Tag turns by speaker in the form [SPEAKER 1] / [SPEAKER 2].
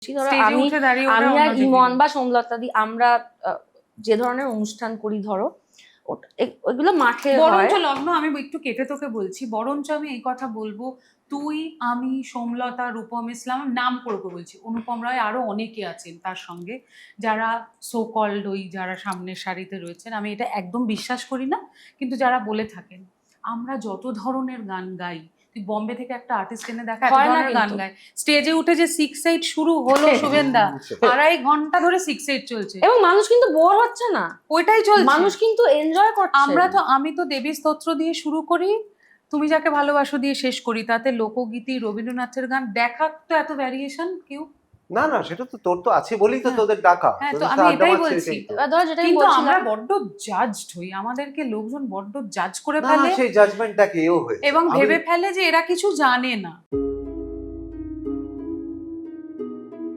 [SPEAKER 1] ধরো
[SPEAKER 2] স্টেজে
[SPEAKER 1] আমি
[SPEAKER 2] উঠে দাঁড়িয়ে ওরা
[SPEAKER 1] আমি আর
[SPEAKER 2] অন্য
[SPEAKER 1] ইমন
[SPEAKER 2] দিকে।
[SPEAKER 1] বা সোমলতাদি আমরা যে ধরনের অনুষ্ঠান করি ধরো ওইগুলো মাঠে হয়।
[SPEAKER 2] বরঞ্চ লগ্ন, আমি একটু কেটে তোকে বলছি, বরঞ্চ আমি এই কথা বলবো, তুই, আমি, সোমলতা, রূপম ইসলাম, নাম করে বলছি, অনুপম রায়, আরো অনেকে আছেন তার সঙ্গে যারা সো কল্ড ওই যারা সামনের সারিতে রয়েছেন, আমি এটা একদম বিশ্বাস করি না, কিন্তু যারা বলে থাকেন আমরা যত ধরনের গান গাই, তুই বম্বে থেকে একটা আর্টিস্ট এনে দেখা এত
[SPEAKER 1] হয় না
[SPEAKER 2] ধরনের গান
[SPEAKER 1] কিন্তু।
[SPEAKER 2] গায়, স্টেজে উঠে যে 6-8 শুরু হলো শুভেন্দা, 2.5 ঘন্টা ধরে 6-8 চলছে,
[SPEAKER 1] এবং মানুষ কিন্তু বোর হচ্ছে না,
[SPEAKER 2] ওইটাই চলছে,
[SPEAKER 1] মানুষ কিন্তু এনজয় করছে।
[SPEAKER 2] আমি তো দেবী স্তোত্র দিয়ে শুরু করি, তুমি যাকে ভালোবাসো দিয়ে শেষ করি, তাতে লোকগীতি, রবীন্দ্রনাথের গান, দেখার তো এত ভ্যারিয়েশন কেউ।
[SPEAKER 3] না না, সেটা তো তোর তো আছে বলেই তো
[SPEAKER 2] হ্যাঁ,
[SPEAKER 3] তোদের ডাকা,
[SPEAKER 2] হ্যাঁ, তো
[SPEAKER 3] তোদের
[SPEAKER 2] আমি
[SPEAKER 3] সাথে আড্ডা
[SPEAKER 2] এটাই
[SPEAKER 3] মারছে,
[SPEAKER 2] বলছি।
[SPEAKER 3] এটাই তো।
[SPEAKER 1] এবার ধরো যেটা আমি
[SPEAKER 2] কিন্তু আমরা
[SPEAKER 1] বলছিলাম,
[SPEAKER 2] বড্ড জাজড হই, আমাদেরকে লোকজন বড্ড জাজ করে
[SPEAKER 3] না
[SPEAKER 2] ফেলে
[SPEAKER 3] সেই জাজমেন্টটাকে এও হয়েছে
[SPEAKER 2] এবং
[SPEAKER 3] আমি
[SPEAKER 2] ভেবে ফেলে যে এরা কিছু জানে না।